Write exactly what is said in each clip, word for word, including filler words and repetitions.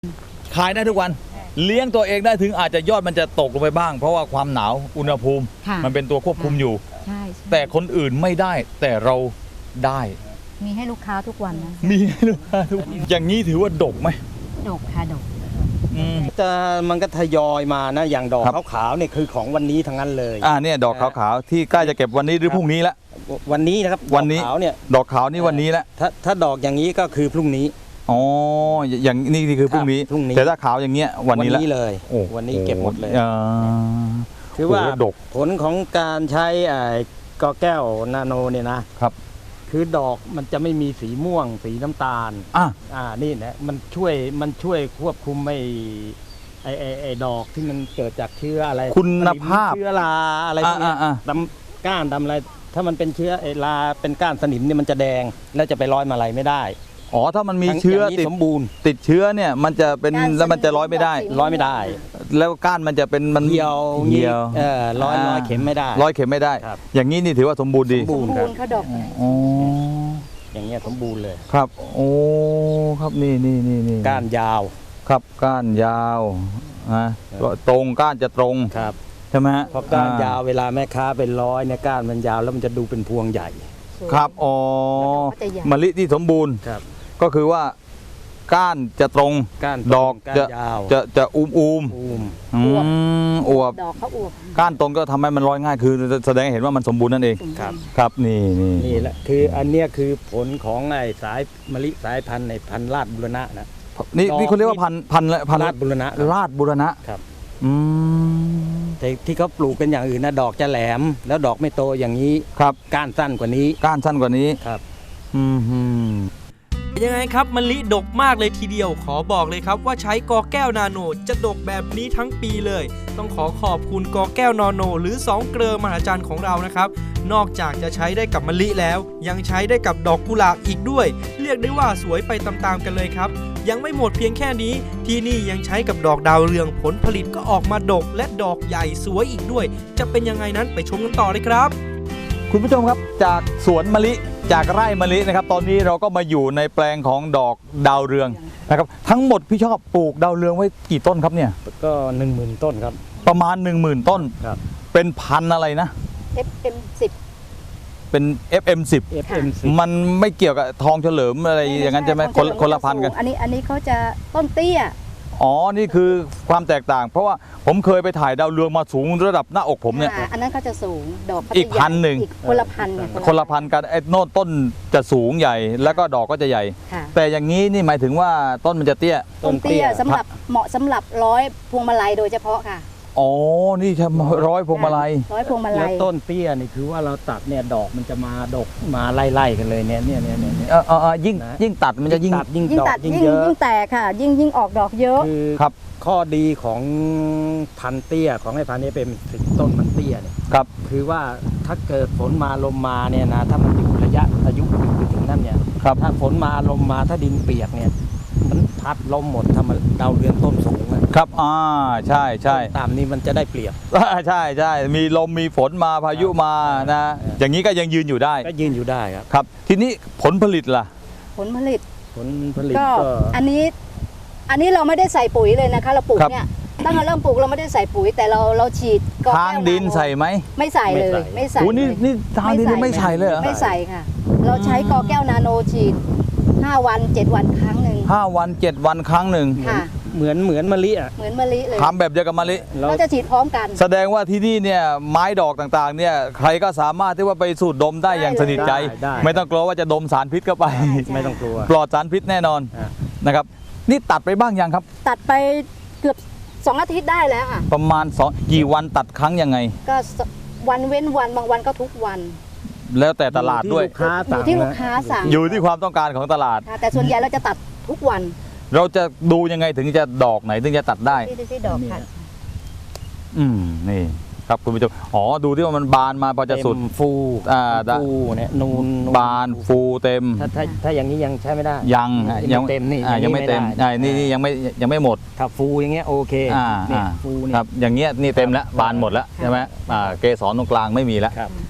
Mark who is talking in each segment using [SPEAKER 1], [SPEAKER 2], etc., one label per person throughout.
[SPEAKER 1] ขายได้ทุกวันเลี้ยงตัวเองได้ถึงอาจจะยอดมันจะตกลงไปบ้าง เพราะว่าความหนาวอุณหภูมิมันเป็นตัวควบคุมอยู่
[SPEAKER 2] ใช่
[SPEAKER 1] แต่คนอื่นไม่ได้แต่เราได้
[SPEAKER 2] มีให้ลูกค้าทุกวันนะ
[SPEAKER 1] มีให้ลูกค้าทุกอย่างนี้ถือว่าดกไหม
[SPEAKER 2] ดกค่ะดก
[SPEAKER 3] จะมันก็ทยอยมานะอย่างดอกขาวๆเนี่ยคือของวันนี้ทั้งนั้นเลย
[SPEAKER 1] อ่าเนี่ยดอกขาวๆที่ใกล้จะเก็บวันนี้หรือพรุ่งนี้ละ
[SPEAKER 3] วันนี้นะครับ
[SPEAKER 1] วันนี้
[SPEAKER 3] ขาวเนี่ย
[SPEAKER 1] ดอกขาวนี่วันนี้ละ
[SPEAKER 3] ถ้าถ้าดอกอย่างนี้ก็คือพรุ่งนี้
[SPEAKER 1] อ๋ออย่างนี้นี่คือพรุ่งนี้แต่ถ้าขาวอย่างเงี้ยวันนี้ละ
[SPEAKER 3] เลยวันนี้เก็บหมดเลยคือว่า
[SPEAKER 1] ดก
[SPEAKER 3] ผลของการใช้ไอ้กอแก้วนาโนเนี่ยนะครับคือดอกมันจะไม่มีสีม่วงสีน้ำตาล
[SPEAKER 1] อ่า
[SPEAKER 3] อ่านี่นะมันช่วยมันช่วยควบคุมไม่ไอไอไอดอกที่มันเกิดจากเชื้ออะไร
[SPEAKER 1] คุณภาพ
[SPEAKER 3] เชื้อราอะไรพวกนี้ดำก้านดำอะไรถ้ามันเป็นเชื้อไอราเป็นก้านสนิมเนี่ยมันจะแดงแล้วจะไปร้อยมาลัยไม่ได้
[SPEAKER 1] อ๋อถ้ามันมีเชื้อติด
[SPEAKER 3] สมบูรณ์
[SPEAKER 1] ติดเชื้อเนี่ยมันจะเป็นแล้วมันจะร้อยไม่ได้
[SPEAKER 3] ร้อยไม่ได้
[SPEAKER 1] แล้วก้านมันจะเป็นมัน
[SPEAKER 3] เหี่ยว
[SPEAKER 1] เหี่ยว
[SPEAKER 3] เออร้อยร้อยเข็มไม่ได้
[SPEAKER 1] ร้อยเข็มไม่ได้อย่างนี้นี่ถือว่าสมบูรณ์ดี
[SPEAKER 3] สมบูรณ์ครับ
[SPEAKER 2] เขาดอก
[SPEAKER 1] อ๋อ
[SPEAKER 3] อย่างเงี้ยสมบูรณ์เลย
[SPEAKER 1] ครับโอ้ครับนี่นี่นี่นี่
[SPEAKER 3] ก้านยาว
[SPEAKER 1] ครับก้านยาวนะตรงก้านจะตรง
[SPEAKER 3] ครับ
[SPEAKER 1] ใช่ไหมฮะ
[SPEAKER 3] เพราะก้านยาวเวลาแม่ค้าเป็นร้อยเนี่ยก้านมันยาวแล้วมันจะดูเป็นพวงใหญ่
[SPEAKER 1] ครับอ๋อมะลิที่สมบูรณ์ก็คือว่าก้านจะตรงดอกจะจะจะอุ้มอุ้มอวบ
[SPEAKER 2] ดอกเขาอวบ
[SPEAKER 1] ก้านตรงก็ทำให้มันร้อยง่ายคือแสดงเห็นว่ามันสมบูรณ์นั่นเอง
[SPEAKER 3] ครับ
[SPEAKER 1] ครับนี่นี่
[SPEAKER 3] นี่แหละคืออันเนี้ยคือผลของไอ้สายมะลิสายพันธุ์ในพันธุ์ราชบุรณะนะ
[SPEAKER 1] นี่นี่เขาเรียกว่าพันธุ์พันธุ์พันธุ์
[SPEAKER 3] ราชบุรณะ
[SPEAKER 1] ราชบุรณะ
[SPEAKER 3] ครับ
[SPEAKER 1] อืม
[SPEAKER 3] แต่ที่เขาปลูกเป็นอย่างอื่นนะดอกจะแหลมแล้วดอกไม่โตอย่างนี้
[SPEAKER 1] ครับ
[SPEAKER 3] ก้านสั้นกว่านี้
[SPEAKER 1] ก้านสั้นกว่านี้
[SPEAKER 3] ครับ
[SPEAKER 1] อืม
[SPEAKER 4] ยังไงครับมะลิดกมากเลยทีเดียวขอบอกเลยครับว่าใช้กอแก้วนาโนจะดกแบบนี้ทั้งปีเลยต้องขอขอบคุณกอแก้วนาโนหรือสองเกลือมหัศจรรย์ของเรานะครับนอกจากจะใช้ได้กับมะลิแล้วยังใช้ได้กับดอกกุหลาบอีกด้วยเรียกได้ว่าสวยไปตามๆกันเลยครับยังไม่หมดเพียงแค่นี้ที่นี่ยังใช้กับดอกดาวเรืองผลผลิตก็ออกมาดกและดอกใหญ่สวยอีกด้วยจะเป็นยังไงนั้นไปชมกันต่อเลยครับ
[SPEAKER 1] คุณผู้ชมครับจากสวนมะลิจากไร่มะลินะครับตอนนี้เราก็มาอยู่ในแปลงของดอกดาวเรืองนะครับทั้งหมดพี่ชอบปลูกดาวเรืองไว้กี่ต้นครับเนี่ย
[SPEAKER 3] ก็หนึ่งหมื่นต้นครับ
[SPEAKER 1] ประมาณ หนึ่งหมื่น ต้น
[SPEAKER 3] ครับ
[SPEAKER 1] เป็นพันอะไรนะ
[SPEAKER 2] เอฟ เอ็ม สิบ
[SPEAKER 1] เป็น เอฟ เอ็ม สิบ
[SPEAKER 3] เอฟ เอ็ม สิบ
[SPEAKER 1] มันไม่เกี่ยวกับทองเฉลิมอะไรอย่างนั้นใช่ไหมคนคนละพันกัน
[SPEAKER 2] อันนี้อันนี้เขาจะต้นเตี้ย
[SPEAKER 1] อ๋อนี่คือความแตกต่างเพราะว่าผมเคยไปถ่ายดาวเรืองมาสูงระดับหน้าอกผมเนี่ย
[SPEAKER 2] อันนั้นเขาจะสูงดอก
[SPEAKER 1] อีกพันหนึ่ง
[SPEAKER 2] คนละพัน
[SPEAKER 1] คนละพันกันไอ้โน่นต้นจะสูงใหญ่แล้วก็ดอกก็จะใหญ่แต่อย่างนี้นี่หมายถึงว่าต้นมันจะเตี้ย
[SPEAKER 2] ต้นเตี้ยสำหรับเหมาะสำหรับร้อยพวงมาลัยโดยเฉพาะค่ะ
[SPEAKER 1] อ๋อนี่จะร้อยพวงมาลัย
[SPEAKER 2] ร้อยพวงมาลัย
[SPEAKER 3] แล้วต้นเตี้ยนี่คือว่าเราตัดเนี่ยดอกมันจะมาดกมาไล่ๆกันเลยเนี่ยเนี่ยเนี่ยเนี่ย
[SPEAKER 1] เออเออยิ่งยิ่งตัดมันจะยิ่ง
[SPEAKER 3] ยิ่งดอกยิ่งเยอะ
[SPEAKER 2] ยิ่งแตกค่ะยิ่งยิ่งออกดอกเยอะ
[SPEAKER 1] ครับ
[SPEAKER 3] ข้อดีของพันเตี้ยของไอ้พันนี้เป็นต้นมันเตี้ยเนี่ย
[SPEAKER 1] ครับ
[SPEAKER 3] คือว่าถ้าเกิดฝนมาลมมาเนี่ยนะถ้ามันอยู่ระยะอายุไปถึงนั่นเนี่ย
[SPEAKER 1] ครับ
[SPEAKER 3] ถ้าฝนมาลมมาถ้าดินเปียกเนี่ยมันพัดลมหมดทำมาดาวเรืองต้นสูง
[SPEAKER 1] ครับอ่าใช่ใช่
[SPEAKER 3] ตามนี้มันจะได้เปรียบ
[SPEAKER 1] ใช่ใช่มีลมมีฝนมาพายุมานะอย่างนี้ก็ยังยืนอยู่ได้
[SPEAKER 3] ก็ยืนอยู่ได้ครับ
[SPEAKER 1] ครับทีนี้ผลผลิตล่ะ
[SPEAKER 2] ผลผลิต
[SPEAKER 3] ผลผลิต
[SPEAKER 2] ก็อันนี้อันนี้เราไม่ได้ใส่ปุ๋ยเลยนะคะเราปลูกเนี่ยตั้งแต่เริ่มปลูกเราไม่ได้ใส่ปุ๋ยแต่เราเราฉีด
[SPEAKER 1] ทางดินใส่ไหม
[SPEAKER 2] ไม่ใส่เลยไม่ใส่
[SPEAKER 1] โอ้นี่นี่ทางดินไม่ใส่เลยเหรอ
[SPEAKER 2] ไม่ใส่ค่ะเราใช้กอแก้วนาโนฉีดห้าวันเจ็ดวันครั้งหนึ่ง
[SPEAKER 1] ห้าวันเจ็ดวันครั้งหนึ่ง
[SPEAKER 2] ค่ะ
[SPEAKER 3] เหมือนเหมือนมะลิอ่ะ
[SPEAKER 2] เหมือนมะลิเลย
[SPEAKER 1] ทำแบบเดียวกับมะลิ
[SPEAKER 2] เราจะฉีดพร้อมกัน
[SPEAKER 1] แสดงว่าที่นี่เนี่ยไม้ดอกต่างๆเนี่ยใครก็สามารถที่ว่าไปสูดดมได้อย่างสนิทใจไม่ต้องกลัวว่าจะดมสารพิษเข้าไป
[SPEAKER 3] ไม่ต้องกลัว
[SPEAKER 1] ปลอดสารพิษแน่นอนนะครับนี่ตัดไปบ้างยังครับ
[SPEAKER 2] ตัดไปเกือบสองอาทิตย์ได้แล้วค่ะ
[SPEAKER 1] ประมาณสองกี่วันตัดครั้งยังไง
[SPEAKER 2] ก็วันเว้นวันบางวันก็ทุกวัน
[SPEAKER 1] แล้วแต่ตลาดด้วย
[SPEAKER 2] อยู่ที่ลูกค้าสั่ง
[SPEAKER 1] อยู่ที่ความต้องการของตลาด
[SPEAKER 2] แต่ส่วนใหญ่เราจะตัดทุกวัน
[SPEAKER 1] เราจะดูยังไงถึงจะดอกไหนถึงจะตัดได้
[SPEAKER 2] ที่ดอกค่ะ
[SPEAKER 1] อืมนี่ครับคุณผู้ชมอ๋อดูที่ว่ามันบานมาพอจะสุด
[SPEAKER 3] ฟู
[SPEAKER 1] อ่า
[SPEAKER 3] ฟูเนี่ยนูน
[SPEAKER 1] บานฟูเต็ม
[SPEAKER 3] ถ้าถ้าถ้าอย่างนี้ยังใช้ไม่ได้
[SPEAKER 1] ยัง
[SPEAKER 3] ยังเต็มนี่
[SPEAKER 1] ยังไม่เต็มอ่านี่นี่ยังไม่ยังไม่หมด
[SPEAKER 3] ถ้าฟูอย่างเงี้ยโอเค
[SPEAKER 1] อ่าฟูนี่ครับอย่างเงี้ยนี่เต็มแล้วบานหมดแล้วใช่ไหมอ่าเกสรตรงกลางไม่มีแล้ว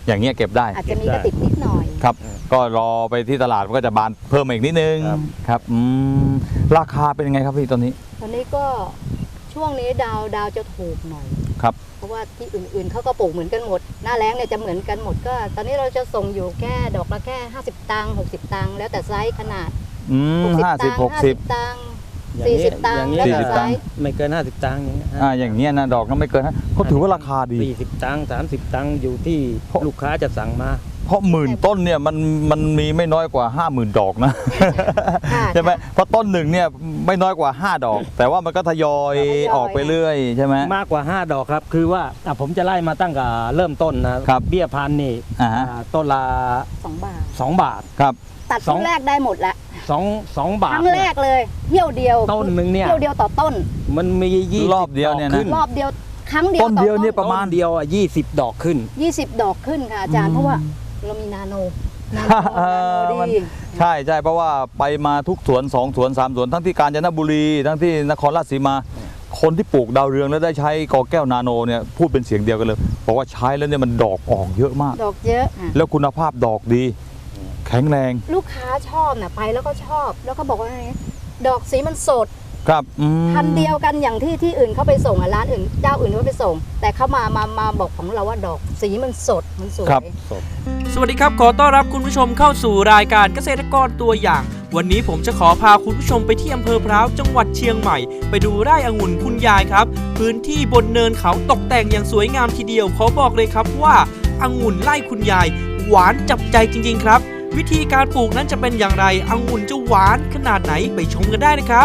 [SPEAKER 1] อย่างเงี้ยเก็บได้
[SPEAKER 2] อาจจะมีกระติกนิดหน่อย
[SPEAKER 1] ครับ ก็รอไปที่ตลาดมันก็จะบานเพิ่มมาอีกนิดนึง
[SPEAKER 3] ครับ
[SPEAKER 1] ครับอืมราคาเป็นยังไงครับพี่ตอนนี้
[SPEAKER 2] ตอนนี้ก็ช่วงนี้ดาวดาวจะถูกหน่อย
[SPEAKER 1] ครับ
[SPEAKER 2] เพราะว่าที่อื่นๆเขาก็ปลูกเหมือนกันหมด หน้าแล้งเนี่ยจะเหมือนกันหมดก็ ตอนนี้เราจะส่งอยู่แค่ดอกละแค่ห้าสิบตังค์หกสิบตังค์แล้วแต่ไซส์ขนาด
[SPEAKER 1] อืม
[SPEAKER 2] หกสิบ
[SPEAKER 1] ห้าสิ
[SPEAKER 2] ตั
[SPEAKER 1] บ
[SPEAKER 2] งค์
[SPEAKER 1] หกสิบ
[SPEAKER 2] ตังค์
[SPEAKER 3] อย่าง
[SPEAKER 2] สี่
[SPEAKER 3] นี้
[SPEAKER 2] สิบตัง
[SPEAKER 3] อย่า
[SPEAKER 2] ค์
[SPEAKER 3] งนี้
[SPEAKER 2] แล้ว
[SPEAKER 1] สี่
[SPEAKER 2] แต่
[SPEAKER 1] สิบ
[SPEAKER 2] ไซ
[SPEAKER 1] ตังค์
[SPEAKER 2] ส์
[SPEAKER 3] ไม่เกินห้าสิบตังค์อย่างเงี้ย
[SPEAKER 1] อ่าอย่างเงี้ยนะดอกก็ไม่เกินนะเขาถือว่าราคาดี
[SPEAKER 3] สี่สิบตังค์สามสิบตังค์อยู่ที่ลูกค้าจะสั่งมา
[SPEAKER 1] เพราะหมื่นต้นเนี่ยมันมันมีไม่น้อยกว่า ห้าหมื่น ดอกนะ
[SPEAKER 2] ค่ะ
[SPEAKER 1] ใช่ไหมเพราะต้นหนึ่งเนี่ยไม่น้อยกว่า ห้า ดอก แต่ว่ามันก็ทยอย
[SPEAKER 2] ทยอย
[SPEAKER 1] ออกไปเรื่อยใช่ไหม
[SPEAKER 3] มากกว่า ห้า ดอกครับ คือว่าอ่ะผมจะไล่มาตั้งแต่เริ่มต้นนะครับ เบี้ยพันธุ์นี่
[SPEAKER 1] อ่าฮะ
[SPEAKER 3] อ่าต้นละ
[SPEAKER 2] สองบาท
[SPEAKER 3] สองบาท
[SPEAKER 1] ครับ
[SPEAKER 2] ตัด
[SPEAKER 3] ส
[SPEAKER 2] ค
[SPEAKER 3] อง
[SPEAKER 2] รั้งแรกได้หมดละ
[SPEAKER 3] สองสองบา
[SPEAKER 2] ค
[SPEAKER 3] ท
[SPEAKER 2] รั้งแรกเลยเที่ยวเดียว
[SPEAKER 3] ต้นหนึ่งเนี่ย
[SPEAKER 2] เที่ยวเดียวต่อต้น
[SPEAKER 3] มันมียี่
[SPEAKER 1] รอบเดียวเนี่ยนะ
[SPEAKER 3] ขึ้
[SPEAKER 2] รอบเดียวครั้งเดียว
[SPEAKER 1] ต้นเดียวเนี่ย
[SPEAKER 2] ต่อ
[SPEAKER 1] ประมาณ
[SPEAKER 3] ต้นเดียวอ่ะยี่สิบดอกขึ้น
[SPEAKER 2] ยี่สิบดอกขึ้นค่ะอาจารย์เพราะว่าเรามีนาโนนาโน
[SPEAKER 1] เออ
[SPEAKER 2] นาโน
[SPEAKER 1] มัน
[SPEAKER 2] ดี
[SPEAKER 1] ใช่ใช่เพราะว่าไปมาทุกสวนสองสวนสามสวนทั้งที่กาญจนบุรี ทั้งที่นครราชสีมา คนที่ปลูกดาวเรืองแล้วได้ใช้กอแก้วนาโนเนี่ยพูดเป็นเสียงเดียวกันเลยบอกว่าใช้แล้วเนี่ยมันดอกออกเยอะมาก
[SPEAKER 2] ดอกเยอะอ่ะ
[SPEAKER 1] แล้วคุณภาพดอกดี แข็งแรง
[SPEAKER 2] ลูกค้าชอบนะไปแล้วก็ชอบ แล้วก็บอกว่าไงดอกสีมันสด
[SPEAKER 1] ครับอืม
[SPEAKER 2] พันธุ์เดียวกันอย่างที่ที่อื่นเขาไปส่งอ่ะร้านอื่นเจ้าอื่นเขาไปส่ง แต่เขามามามาบอกของเราว่าดอกสีมันสดมันสวย
[SPEAKER 1] ครับ
[SPEAKER 4] สวัสดีครับ ขอต้อนรับคุณผู้ชมเข้าสู่รายการเกษตรกรตัวอย่าง วันนี้ผมจะขอพาคุณผู้ชมไปที่อำเภอพร้าวจังหวัดเชียงใหม่ ไปดูไร่องุ่นคุณยายครับ พื้นที่บนเนินเขาตกแต่งอย่างสวยงามทีเดียวขอบอกเลยครับว่าองุ่นไร่คุณยาย หวานจับใจจริงๆครับ วิธีการปลูกนั้นจะเป็นอย่างไรองุ่นจะหวานขนาดไหนไปชมกันได้นะครับ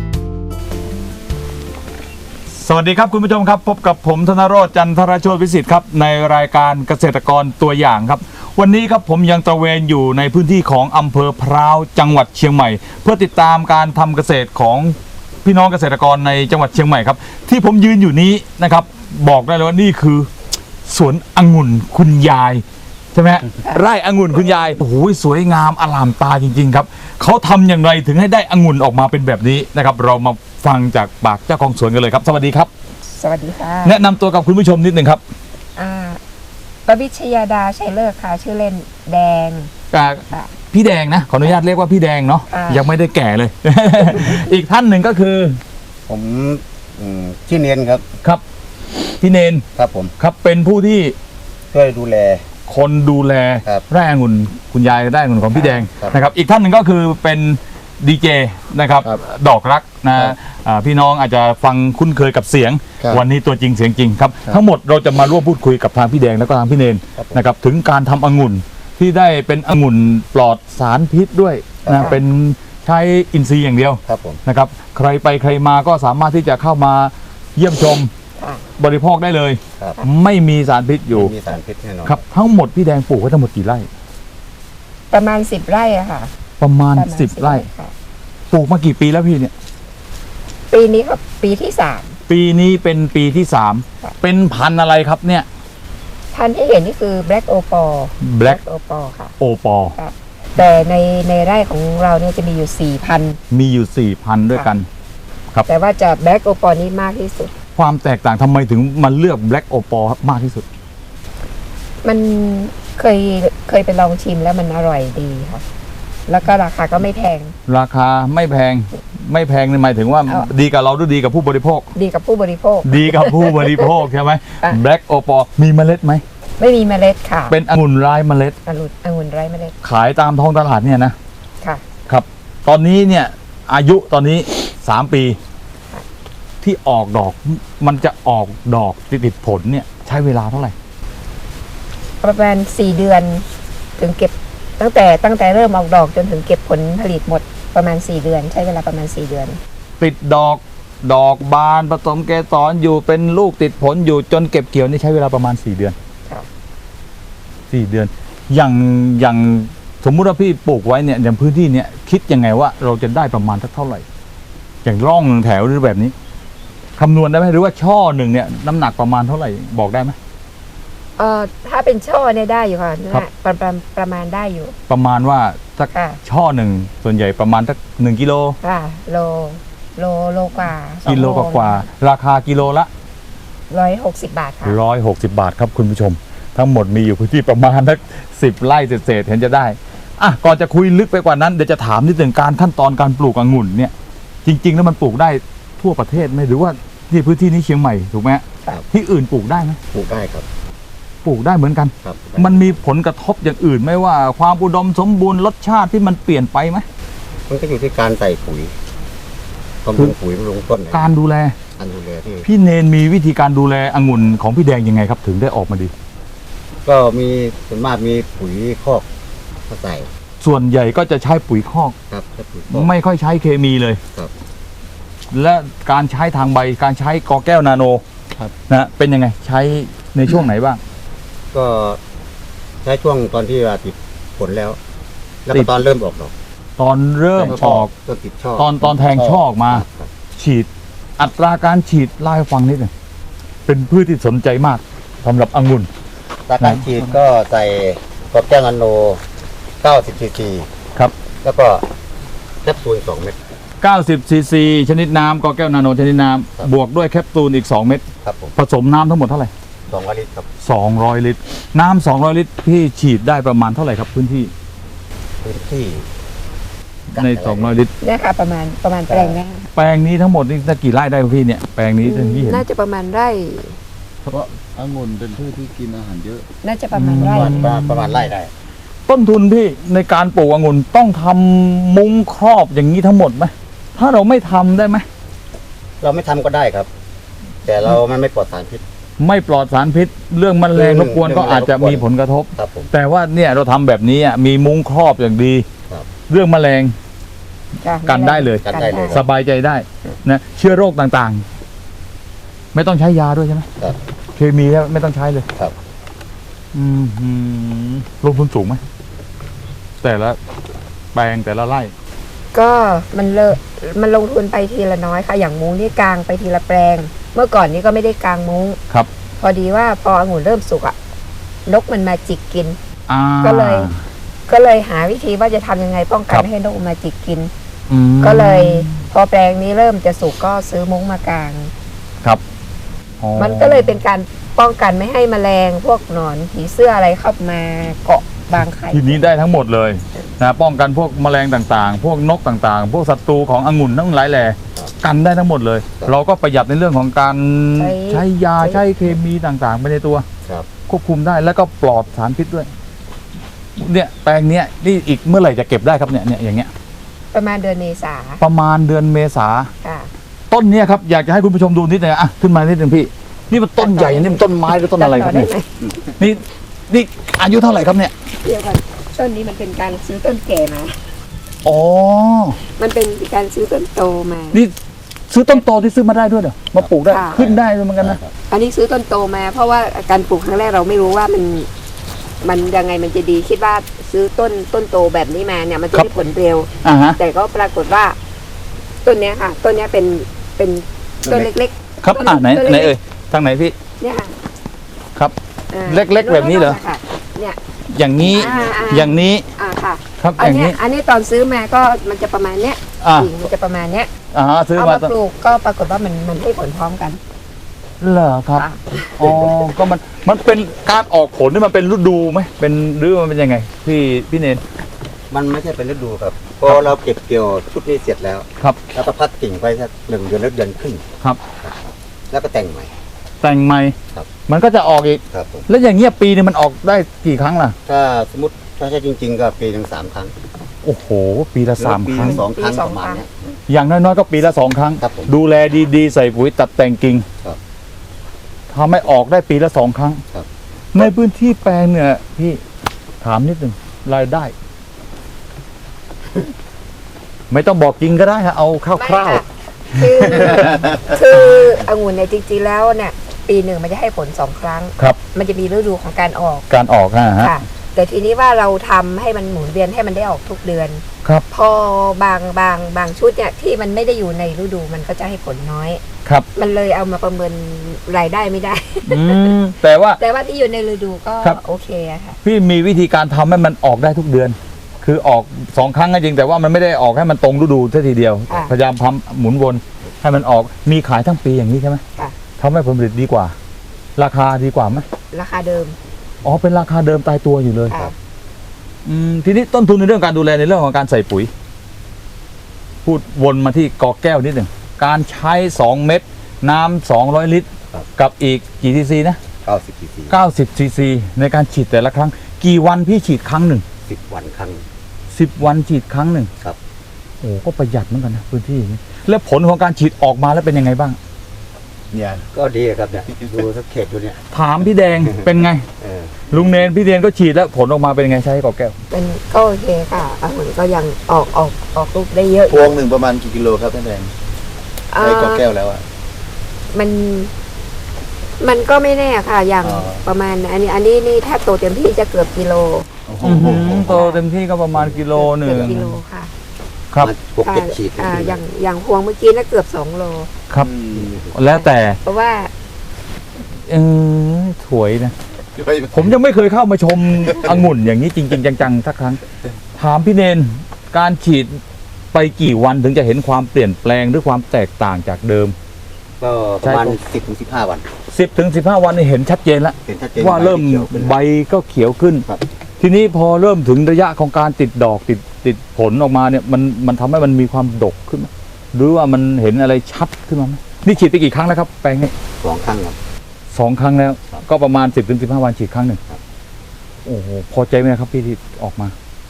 [SPEAKER 1] สวัสดีครับคุณผู้ชมครับพบกับผมธนโรจน์จันทรโชติวิสิทธิ์ครับในรายการเกษตรกรตัวอย่างครับ วันนี้ครับผมยังตระเวนอยู่ในพื้นที่ของอำเภอพร้าวจังหวัดเชียงใหม่ เพื่อติดตามการทำเกษตรของพี่น้องเกษตรกรในจังหวัดเชียงใหม่ครับที่ผมยืนอยู่นี้นะครับบอกได้เลยว่านี่คือสวนองุ่นคุณยายใช่ไหมฮะไร่องุ่นคุณยายโอ้โหสวยงามอลามตาจริงๆครับเขาทำอย่างไรถึงให้ได้องุ่นออกมาเป็นแบบนี้นะครับเรามาฟังจากปากเจ้าของสวนกันเลยครับสวัสดีครับ
[SPEAKER 5] สวัสดีค่ะ
[SPEAKER 1] แนะนำตัวกับคุณผู้ชมนิดหนึ่งครับ
[SPEAKER 5] อ่าปวิชยาดาชัยเลิกค่ะ ชื่อเล่นแดง
[SPEAKER 1] อ่า
[SPEAKER 5] ค่ะ
[SPEAKER 1] พี่แดงนะขออนุญาตเรียกว่าพี่แดงเนาะ
[SPEAKER 5] อ่ายั
[SPEAKER 1] ยังไม่ได้แก่เลย อีกท่านหนึ่งก็คือ
[SPEAKER 6] ผมอืมชื่อเนียนครับ
[SPEAKER 1] ครับพี่เนน
[SPEAKER 6] ครับผม
[SPEAKER 1] ครับเป็นผู้ที่
[SPEAKER 6] ช่วยดูแล
[SPEAKER 1] คนดูแล
[SPEAKER 6] ครับ
[SPEAKER 1] ไร่องุ่นคุณยายไร่องุ่นของพี่แดง
[SPEAKER 6] ครับ
[SPEAKER 1] นะครับอีกท่านหนึ่งก็คือเป็นดีเจนะครับ
[SPEAKER 6] ครับ
[SPEAKER 1] ดอกรักนะครับ อ่าพี่น้องอาจจะฟังคุ้นเคยกับเสียง
[SPEAKER 6] ครับ
[SPEAKER 1] วันนี้ตัวจริงเสียงจริงครับ
[SPEAKER 6] ครับ
[SPEAKER 1] ทั้งหมดเราจะมาร่วมพูดคุยกับทางพี่แดงแล้วก็ทางพี่เนน
[SPEAKER 6] ครับผม
[SPEAKER 1] นะครับถึงการทำองุ่นที่ได้เป็นองุ่นปลอดสารพิษด้วย
[SPEAKER 6] ครั
[SPEAKER 1] นะ
[SPEAKER 6] บ
[SPEAKER 1] เป็นใช้อินทรีย์อย่างเดียว
[SPEAKER 6] ครับผม
[SPEAKER 1] นะครับใครไปใครมาก็สามารถที่จะเข้ามาเยี่ยมชม
[SPEAKER 5] ค่ะ
[SPEAKER 1] บริโภคได้เลย
[SPEAKER 6] ครับ
[SPEAKER 1] ไม่มีสารพิษอยู่
[SPEAKER 6] ไม่มีสารพิษแน่นอน
[SPEAKER 1] ครับทั้งหมดพี่แดงปลูกไว้ทั้งหมดกี่ไร่
[SPEAKER 5] ประมาณสิบไร่อะค่ะ
[SPEAKER 1] ประมาณ
[SPEAKER 5] ประมาณ
[SPEAKER 1] สิบไร่
[SPEAKER 5] ค่ะ
[SPEAKER 1] ปลูกมากี่ปีแล้วพี่เนี่ย
[SPEAKER 5] ปีนี้ก็ปีที่สาม
[SPEAKER 1] ปีนี้เป็นปีที่สาม
[SPEAKER 5] ค่ะ
[SPEAKER 1] เป็นพันธุ์อะไรครับเนี่ย
[SPEAKER 5] พันธุ์ที่เห็นนี่คือ Black o p a l
[SPEAKER 1] Black
[SPEAKER 5] o p a l ค่ะ
[SPEAKER 1] โอปอ
[SPEAKER 5] แต่ในในไร่ของเราเนี่ยจะมีอยู่สี่พันธุ์
[SPEAKER 1] มีอยู่สี่พันด้วยกัน
[SPEAKER 5] แต่ว่าจะ Black o p a l นี่มากที่สุด
[SPEAKER 1] ความแตกต่างทำไมถึงมาเลือก Black โอปอมากที่สุด
[SPEAKER 5] มันเคยเคยไปลองชิมแล้วมันอร่อยดีค่ะ แล้วก็ราคาก็ไม่แพง
[SPEAKER 1] ราคาไม่แพงไม่แพงนี่หมายถึงว่า
[SPEAKER 5] เอา
[SPEAKER 1] ดีกับเราหรือดีกับผู้บริโภค
[SPEAKER 5] ดีกับผู้บริโภค
[SPEAKER 1] ดีกับผู้บริโภคใช่ไหม
[SPEAKER 5] อ่ะ
[SPEAKER 1] Black โอปอมีเมล็ดไหม
[SPEAKER 5] ไม่มีเมล็ดค่ะ
[SPEAKER 1] เป็นองุ่นไร้เมล็ด
[SPEAKER 5] องุ่นองุ่นไร้เมล็ด
[SPEAKER 1] ขายตามท้องตลาดเนี่ยนะ
[SPEAKER 5] ค่ะ
[SPEAKER 1] ครับ ตอนนี้เนี่ยอายุตอนนี้สามปี ที่ออกดอกมันจะออกดอกติดติดผลเนี่ยใช้เวลาเท่าไหร่
[SPEAKER 5] ประมาณสี่เดือนถึงเก็บตั้งแต่ตั้งแต่เริ่มออกดอกจนถึงเก็บผลผลิตหมดประมาณสี่เดือน ใช้เวลาประมาณสี่เดือน
[SPEAKER 1] ติดดอกดอกบานผสมเกสรอยู่เป็นลูกติดผลอยู่จนเก็บเกี่ยวนี่ใช้เวลาประมาณสี่เดือน
[SPEAKER 5] ครับ
[SPEAKER 1] สี่เดือน อย่างอย่างสมมุติว่าพี่ปลูกไว้เนี่ยอย่างพื้นที่เนี่ยคิดยังไงว่าเราจะได้ประมาณสักเท่าไหร่ อย่างร่องหนึ่งแถวหรือแบบนี้คำนวณได้ไหมหรือว่าช่อหนึ่งเนี่ยน้ำหนักประมาณเท่าไหร่บอกได้ไหม
[SPEAKER 5] เอ่อถ้าเป็นช่อเนี่ยได้อยู่ค่ะ
[SPEAKER 1] ครับ
[SPEAKER 5] น่าประประประมาณได้อยู่
[SPEAKER 1] ประมาณว่าสัก
[SPEAKER 5] ค่ะ ช่
[SPEAKER 1] ช่อหนึ่งส่วนใหญ่ประมาณสักหนึ่งกิโล
[SPEAKER 5] ค่ะโลโลโลกว่าสอง
[SPEAKER 1] กิโลกว่าๆราคากิโลละ
[SPEAKER 5] ร้อยหกสิบบาทค่ะ
[SPEAKER 1] ร้อยหกสิบบาทครับคุณผู้ชมทั้งหมดมีอยู่พื้นที่ประมาณสักสิบไร่เศษๆเห็นจะได้อ่ะก่อนจะคุยลึกไปกว่านั้นเดี๋ยวจะถามนิดหนึ่งการขั้นตอนการปลูกองุ่นเนี่ยจริง ๆ แล้วมันปลูกได้ทั่วประเทศไหมหรือว่าที่พื้นที่นี้เชียงใหม่ถูกไหม
[SPEAKER 6] ครับ
[SPEAKER 1] ที่อื่นปลูกได้ไหม
[SPEAKER 6] ปลูกได้ครับ
[SPEAKER 1] ปลูกได้เหมือนกัน
[SPEAKER 6] ครับ
[SPEAKER 1] มันมีผลกระทบอย่างอื่นไหมว่าความอุดมสมบูรณ์รสชาติที่มันเปลี่ยนไปไหม
[SPEAKER 6] มันก็อยู่ที่การใส่ปุ๋ยบำรุงปุ๋ยบำรุงต้น
[SPEAKER 1] การดูแล
[SPEAKER 6] การดูแลที่
[SPEAKER 1] พี่เนนมีวิธีการดูแลองุ่นของพี่แดงยังไงครับถึงได้ออกมาดี
[SPEAKER 6] ก็มีส่วนมากมีปุ๋ยคอกมาใส่
[SPEAKER 1] ส่วนใหญ่ก็จะใช้ปุ๋ยคอก
[SPEAKER 6] ครับใช้ปุ๋ยคอก
[SPEAKER 1] ไม่ค่อยใช้เคมีเลย
[SPEAKER 6] ครับ
[SPEAKER 1] และการใช้ทางใบการใช้กอแก้วนาโน
[SPEAKER 6] ครับ
[SPEAKER 1] นะเป็นยังไงใช้ในช่วงไหนบ้าง
[SPEAKER 6] ก็ใช้ช่วงตอนที่ว่าติดผลแล้ว แล้ว
[SPEAKER 1] ติ
[SPEAKER 6] ก็
[SPEAKER 1] ด
[SPEAKER 6] ตอนเริ่มออกดอก
[SPEAKER 1] ตอนเริ่มออก
[SPEAKER 6] ต้นติดช่อ
[SPEAKER 1] ตอนตอนแทงช่อออกมา
[SPEAKER 6] ครับ
[SPEAKER 1] ฉีดอัตราการฉีดเล่าให้ฟังนิดหนึ่งเป็นพืชที่สนใจมากสำหรับองุ่น
[SPEAKER 6] ตาการฉีดก็ใส่กรอบแก้วนาโนเก้าสิบซีซี
[SPEAKER 1] ครับ
[SPEAKER 6] แล้วก็แคปซูลสองเม็ด
[SPEAKER 1] เก้าสิบซีซีชนิดน้ำกอแก้วนาโนชนิดน้
[SPEAKER 6] ครับ
[SPEAKER 1] ำบวกด้วยแคปซูลอีกสองเม็ด
[SPEAKER 6] ครับผม
[SPEAKER 1] ผสมน้ำทั้งหมดเท่าไหร่
[SPEAKER 6] สองลิตรครับ
[SPEAKER 1] สองร้อยลิตร น้ำสองร้อยลิตรพี่ฉีดได้ประมาณเท่าไหร่ครับพื้นที่
[SPEAKER 6] พื้นที่
[SPEAKER 1] ในสองร้อยลิตร
[SPEAKER 5] เนี่ยค่ะประมาณประมาณแปลงเนี้
[SPEAKER 1] แปลงนี้ทั้งหมดนี่ได้กี่ไร่ได้ครับพี่เนี่ยแปลงนี้ที่เห็น
[SPEAKER 5] น่าจะประมาณไร่
[SPEAKER 7] เพราะองุ่นเป็นพืชที่กินอาหารเยอะ
[SPEAKER 5] น่าจะประมาณไร่
[SPEAKER 6] ประมาณประมาณไร่ได้
[SPEAKER 1] ต้นทุนพี่ในการปลูกองุ่นต้องทำมุ้งครอบอย่างนี้ทั้งหมดไหมถ้าเราไม่ทำได้ไหม
[SPEAKER 6] เราไม่ทำก็ได้ครับ แต่เรามันไม่ปลอดสารพิษ
[SPEAKER 1] ไม่ปลอดสารพิษ เรื่องแมลงรบกวนก็อาจจะมีผลกระทบ
[SPEAKER 6] ครับผม
[SPEAKER 1] แต่ว่าเนี่ยเราทำแบบนี้อ่ะมีมุ้งครอบอย่างดี
[SPEAKER 6] ครับ
[SPEAKER 1] เรื่องแมลง
[SPEAKER 5] จ้ะ
[SPEAKER 1] กันได้เลย
[SPEAKER 6] กันได้เลย
[SPEAKER 1] สบายใจได้นะเชื้อโรคต่างๆ ไม่ต้องใช้ยาด้วยใช่ไหม
[SPEAKER 6] ครับ
[SPEAKER 1] เคมีไม่ต้องใช้เลย
[SPEAKER 6] ครับ
[SPEAKER 1] อืมหือลงทุนสูงไหมแต่ละแปลงแต่ละไร่
[SPEAKER 5] ก็มันเลอะมันลงทุนไปทีละน้อยค่ะ อย่างมุ้งนี่กลางไปทีละแปลง เมื่อก่อนนี้ก็ไม่ได้กลางมุ้ง
[SPEAKER 1] ครับ
[SPEAKER 5] พอดีว่าพอองุ่นเริ่มสุกอะนกมันมาจิกกิน
[SPEAKER 1] อ่า
[SPEAKER 5] ก็เลย ก็เลยหาวิธีว่าจะทำยังไงป้องกั
[SPEAKER 1] ครั
[SPEAKER 5] น
[SPEAKER 1] บ
[SPEAKER 5] ไม่ให้นกมาจิกกิน
[SPEAKER 1] อืม
[SPEAKER 5] ก็เลยพอแปลงนี้เริ่มจะสุกก็ซื้อมุ้งมากาง
[SPEAKER 1] ครับอ๋อ
[SPEAKER 5] มันก็เลยเป็นการป้องกันไม่ให้แมลงพวกหนอนผีเสื้ออะไรเข้ามาเกาะบางไข่
[SPEAKER 1] ทีนี้ได้ทั้งหมดเลยนะป้องกันพวกแมลงต่างๆ พวกนกต่างๆ พวกศัตรูขององุ่นทั้งหลายแหล่กันได้ทั้งหมดเลย เราก็ประหยัดในเรื่องของการใช้ยาใช้เคมีต่างๆไปในตัว
[SPEAKER 6] ครับ
[SPEAKER 1] ควบคุมได้แล้วก็ปลอดสารพิษด้วย เนี่ยแปลงเนี้ยนี่อีกเมื่อไหร่จะเก็บได้ครับเนี่ยเนี่ยอย่างเงี้ย
[SPEAKER 5] ประมาณเดือนเมษา
[SPEAKER 1] ประมาณเดือนเมษา
[SPEAKER 5] ค่ะ
[SPEAKER 1] ต้นเนี้ยครับอยากจะให้คุณผู้ชมดูนิดหนึงอ่ะขึ้นมานิดหนึงพี่ นี่มันต้นใหญ่นี่มันต้นไม้หรือต้นอะไรครับเนี่ย
[SPEAKER 5] จำต่ด้หม
[SPEAKER 1] นี่นี่อายุเท่าไหร่ครับเนี่ย
[SPEAKER 5] เดี๋ยวก่อนต้นนี้มันเป็นการซื้อต้นแก่มา
[SPEAKER 1] อ๋อ
[SPEAKER 5] มันเป็นการซื้อต้นโตมา
[SPEAKER 1] นี่ซื้อต้นโตที่ซื้อมาได้ด้วยเหรอมาปลูกได้
[SPEAKER 5] ค่ะ
[SPEAKER 1] ขึ้นได้ด้วยเหมือนกันนะ
[SPEAKER 5] อันนี้ซื้อต้นโตมา เพราะว่าการปลูกครั้งแรกเราไม่รู้ว่ามัน มันยังไงมันจะดีคิดว่าซื้อต้นต้นโตแบบนี้มาเนี่ยมันจะได้ผลเร็ว
[SPEAKER 1] อ่าฮะ
[SPEAKER 5] แต่ก็ปรากฏว่า ต้นเนี้ยค่ะ ต้นเนี้ยเป็นเป็นต้นเล็ก
[SPEAKER 1] ครับอ่าไหน
[SPEAKER 5] ต้น
[SPEAKER 1] ไหน
[SPEAKER 5] เล็ก
[SPEAKER 1] เอ่ยทางไหนพี่
[SPEAKER 5] ๆเนี่ยค่ะ
[SPEAKER 1] ครับ
[SPEAKER 5] อ่า
[SPEAKER 1] เล็กๆแบบนี้เหรอ
[SPEAKER 5] ค่ะเนี่ย
[SPEAKER 1] อย่างนี้
[SPEAKER 5] อ่าอ่า
[SPEAKER 1] อย่างนี้
[SPEAKER 5] อ่าค่ะ
[SPEAKER 1] ครับ
[SPEAKER 5] อั
[SPEAKER 1] อน ย่าง
[SPEAKER 5] เนี้ย
[SPEAKER 1] นี้
[SPEAKER 5] อันนี้ตอนซื้อมาก็มันจะประมาณเนี้ย
[SPEAKER 1] อ่า
[SPEAKER 5] กิ่งมันจะประมาณเนี้ย
[SPEAKER 1] อ่าฮะซื้อ
[SPEAKER 5] เอา
[SPEAKER 1] มา
[SPEAKER 5] มาปลูกก็ปรากฏว่ามันมันให้ผลพร้อมกัน
[SPEAKER 1] เหรอครับ
[SPEAKER 5] ค่ะ
[SPEAKER 1] อ๋อก็มันมันเป็นการออกผลนี่มันเป็นฤดูไหมเป็นหรือมันเป็นยังไง พี่พี่เนน
[SPEAKER 6] มันไม่ใช่เป็นฤดูครับพอเราเก็บเกี่ยวชุดนี้เสร็จแล้ว
[SPEAKER 1] ครับ
[SPEAKER 6] แล้วก็พักกิ่งไปสักหนึ่งเดือนหรือเดือนครึ่ง
[SPEAKER 1] ครับ
[SPEAKER 6] แล้วก็แต่งใหม่
[SPEAKER 1] แต่งใหม่
[SPEAKER 6] ครับ
[SPEAKER 1] มันก็จะออกอีก
[SPEAKER 6] ครับผม
[SPEAKER 1] แล้วอย่างเงี้ยปีนึงมันออกได้กี่ครั้งล่ะ
[SPEAKER 6] ถ้าสมมติถ้าใช่จริง ๆ ก็ปีหนึ่งสามครั้ง
[SPEAKER 1] โอ้โห ปีละสาม
[SPEAKER 6] ปี
[SPEAKER 1] ครั้ง
[SPEAKER 6] ละสองครั้ง
[SPEAKER 5] ปีส
[SPEAKER 6] ป
[SPEAKER 5] อง
[SPEAKER 6] ระมาณ
[SPEAKER 5] ครั้ง
[SPEAKER 6] เนี้ย
[SPEAKER 1] อย่างน้อยๆก็ปีละสองครั้ง
[SPEAKER 6] ครับผม
[SPEAKER 1] ดูแลดีๆ ใส่ปุ๋ยตัดแต่งกิ่ง
[SPEAKER 6] ครับ
[SPEAKER 1] ทำให้ออกได้ปีละสองครั้ง
[SPEAKER 6] ครับ
[SPEAKER 1] ในพื้นที่แปลงเนี่ยพี่ถามนิดหนึ่งรายได้ ไม่ต้องบอกจริงก็ได้ฮะเอาค
[SPEAKER 5] ไม่
[SPEAKER 1] ร่าว
[SPEAKER 5] ค่ะคือคือองุ่นเนี่ยจริงๆแล้วเนี่ยปีหนึ่งมันจะให้ผลสองครั้ง
[SPEAKER 1] ๆครับ
[SPEAKER 5] มันจะมีฤดูของการออก
[SPEAKER 1] การออกนะฮะ
[SPEAKER 5] ค่ะ แต่ทีนี้ว่าเราทำให้มันหมุนเวียนให้มันได้ออกทุกเดือน
[SPEAKER 1] ครับ
[SPEAKER 5] พอบางบางบางชุดเนี่ยที่มันไม่ได้อยู่ในฤดูมันก็จะให้ผลน้อย
[SPEAKER 1] ครับ
[SPEAKER 5] มันเลยเอามาประเมินรายได้ไม่ได้
[SPEAKER 1] อืมแต่ว่า
[SPEAKER 5] แต่ว่าที่อยู่ในฤดูก็
[SPEAKER 1] ครับ
[SPEAKER 5] โอเคอะค่ะ
[SPEAKER 1] พี่มีวิธีการทำให้มันออกได้ทุกเดือน คือออกสองครั้งก็จริง แต่ว่ามันไม่ได้ออกให้มันตรงฤดูซะทีเดียว
[SPEAKER 5] ค่ะ
[SPEAKER 1] พยายามทำหมุนวนให้มันออกมีขายทั้งปีอย่างนี้ใช่ไหม
[SPEAKER 5] ค่ะ
[SPEAKER 1] ทำให้ผลผลิตดีกว่า ราคาดีกว่าไหม
[SPEAKER 5] ราคาเดิม
[SPEAKER 1] อ๋อเป็นราคาเดิมตายตัวอยู่เลย
[SPEAKER 5] ค่ะ
[SPEAKER 1] อืมทีนี้ต้นทุนในเรื่องการดูแลในเรื่องของการใส่ปุ๋ย พูดวนมาที่กอแก้วนิดหนึ่งการใช้สองเม็ดน้ำสองร้อยลิตร
[SPEAKER 6] ครับ
[SPEAKER 1] กับอีกกี่ซีซีนะ
[SPEAKER 6] เก้าสิบซีซี
[SPEAKER 1] เก้าสิบซีซีในการฉีดแต่ละครั้ง กี่วันพี่ฉีดครั้งหนึ่ง
[SPEAKER 6] สิบวันครั้ง
[SPEAKER 1] สิบวันฉีดครั้งหนึ่ง
[SPEAKER 6] ครับ
[SPEAKER 1] โอ้ก็ประหยัดเหมือนกันนะพื้นที่นี้แล้วผลของการฉีดออกมาแล้วเป็นยังไงบ้าง
[SPEAKER 7] เนี่ย
[SPEAKER 6] ก็ดีครับเนี่ยดูสักเขตดูเนี่ย
[SPEAKER 1] ถามพี่แดง เป็นไง
[SPEAKER 6] เออ
[SPEAKER 1] ลุงเนนพี่เดนก็ฉีดแล้วผลออกมาเป็นยังไงใช้กอแก้ว
[SPEAKER 5] เป็นก็โอเคค่ะองุ่นก็ยังออกออกออกลูกได้เยอะ
[SPEAKER 7] พวงหนึ่งประมาณกี่กิโลครับท่านแดง
[SPEAKER 5] เอ่
[SPEAKER 7] ใช้
[SPEAKER 5] อก
[SPEAKER 7] อแก้วแล้วอ่ะ
[SPEAKER 5] มัน มันก็ไม่แน่ค่ะ อย่าง
[SPEAKER 7] อ๋อ
[SPEAKER 5] ประมาณ อันนี้ อันนี้นี่ถ้าโตเต็มที่จะเกือบกิโล
[SPEAKER 7] โอ้โห
[SPEAKER 1] โตเต็มที่ก็ประมาณกิโลหนึ่ง
[SPEAKER 5] เกือบกิโลค่ะ
[SPEAKER 1] ครับ
[SPEAKER 6] มาหกเจ็ดฉีด
[SPEAKER 5] อ่าอย่างอย่างพวงเมื่อกี้น่ะเกือบสองโล
[SPEAKER 1] ครับ
[SPEAKER 7] อืม
[SPEAKER 1] แล้วแต่
[SPEAKER 5] เพราะว่า
[SPEAKER 1] เออถวยนะ ผมยังไม่เคยเข้ามาชม องุ่นอย่างนี้จริง ๆ จังๆสักครั้ง ถามพี่เนนการฉีดไปกี่วันถึงจะเห็นความเปลี่ยนแปลงหรือความแตกต่างจากเดิม
[SPEAKER 6] ก็ประมาณ
[SPEAKER 1] ใช่
[SPEAKER 6] สิบถึงสิบห้าวัน
[SPEAKER 1] สิบถึงสิบห้าวันนี่เห็นชัดเจนแล้ว
[SPEAKER 6] เห็นชัดเจน
[SPEAKER 1] ว่าเริ่ม
[SPEAKER 6] ขียวขึ้น
[SPEAKER 1] ใบก็เขียวขึ้น
[SPEAKER 6] ครับ
[SPEAKER 1] ทีนี้พอเริ่มถึงระยะของการติดดอกติดติดผลออกมาเนี่ยมันมันทำให้มันมีความดกขึ้นไหมหรือว่ามันเห็นอะไรชัดขึ้นมาไหมนี่ฉีดไปกี่ครั้งแล้วครับแปลงนี้
[SPEAKER 6] สองครั้งครับ
[SPEAKER 1] สองครั้งแล้ว
[SPEAKER 6] ครับ
[SPEAKER 1] ก็ประมาณสิบถึงสิบห้าวันฉีดครั้งหนึ่ง
[SPEAKER 6] ครับ
[SPEAKER 1] โอ้โหพอใจไหมครับพี่ที่ออกมา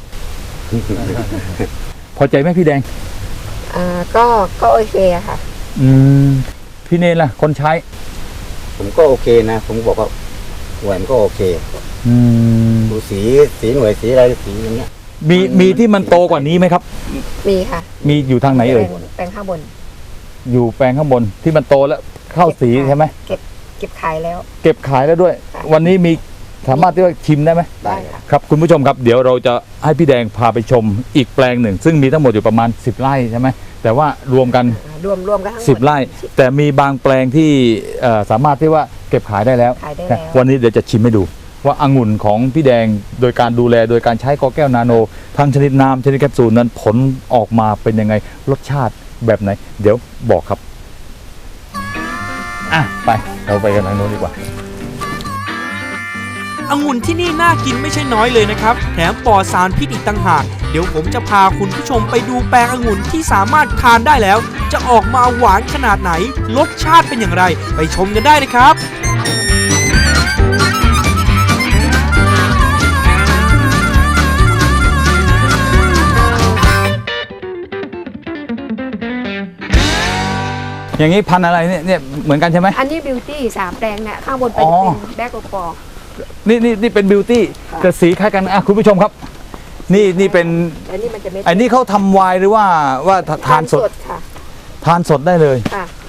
[SPEAKER 1] พอใจไหมพี่แดง
[SPEAKER 5] อ่า ก็ ก็โอเคอะค่ะ
[SPEAKER 1] อืมพี่เนนล่ะ คนใช้
[SPEAKER 6] ผมก็โอเคนะ ผมบอกว่าหน่วยมันก็โอเค
[SPEAKER 1] อืม
[SPEAKER 6] ดูสีสีหน่วยสีอะไรสีอย่างเงี้ย
[SPEAKER 1] มีมีที่มันโตกว่านี้ไหมครับ
[SPEAKER 5] มีค่ะ
[SPEAKER 1] มีอยู่ทางไหนเอ่ย
[SPEAKER 5] แปลงแปลงข้างบน
[SPEAKER 1] อยู่แปลงข้างบนที่มันโตแล้วเข้าสีใช่ไหม
[SPEAKER 5] เก็บ เก็บขายแล้ว
[SPEAKER 1] เก็บขายแล้วด้วย
[SPEAKER 5] ค่ะ
[SPEAKER 1] วันนี้มีสามารถที่ว่าชิมได้ไหม
[SPEAKER 5] ได้ค่ะ
[SPEAKER 1] ครับคุณผู้ชมครับเดี๋ยวเราจะให้พี่แดงพาไปชมอีกแปลงหนึ่ง ซึ่งมีทั้งหมดอยู่ประมาณสิบไร่ใช่ไหมแต่ว่ารวมกัน
[SPEAKER 5] อ่ารวมรวมกันทั้งหมด
[SPEAKER 1] สิบไร่ แต่มีบางแปลงที่เอ่อสามารถที่ว่าเก็บขายได้แล้ว
[SPEAKER 5] ขายได้แล้ว
[SPEAKER 1] วันนี้เดี๋ยวจะชิมให้ดู ว่าองุ่นของพี่แดงโดยการดูแลโดยการใช้กอแก้วนาโนทั้งชนิดน้ำชนิดแคปซูลนั้นผลออกมาเป็นยังไงรสชาติแบบไหน เดี๋ยวบอกครับอ่ะไปเราไปกันทางโน้นดีกว่า
[SPEAKER 4] องุ่นที่นี่น่ากินไม่ใช่น้อยเลยนะครับ แถมปลอดสารพิษอีกต่างหาก เดี๋ยวผมจะพาคุณผู้ชมไปดูแปลงองุ่นที่สามารถทานได้แล้ว จะออกมาหวานขนาดไหน รสชาติเป็นอย่างไร ไปชมกันได้เลยครับ
[SPEAKER 1] อย่างนี้พันธุ์อะไรเนี่ยเนี่ยเหมือนกันใช่ไหม
[SPEAKER 5] อันนี้บิวตี้สามแปลงเนี่ยข้างบนเป็น
[SPEAKER 1] อ๋อ
[SPEAKER 5] เป็นแบล็กโอปอร์
[SPEAKER 1] นี่นี่นี่เป็นบิวตี้
[SPEAKER 5] ค่ะ
[SPEAKER 1] แต่สีคล้ายกันอ่ะคุณผู้ชมครับ นี่นี่เป็น
[SPEAKER 5] อันนี้มันจะเม็ด
[SPEAKER 1] ไอ้นี่เขาทำไวน์หรือว่าว่าทานสด
[SPEAKER 5] ค่ะ
[SPEAKER 1] ทานสดได้เลย
[SPEAKER 5] ค่ะ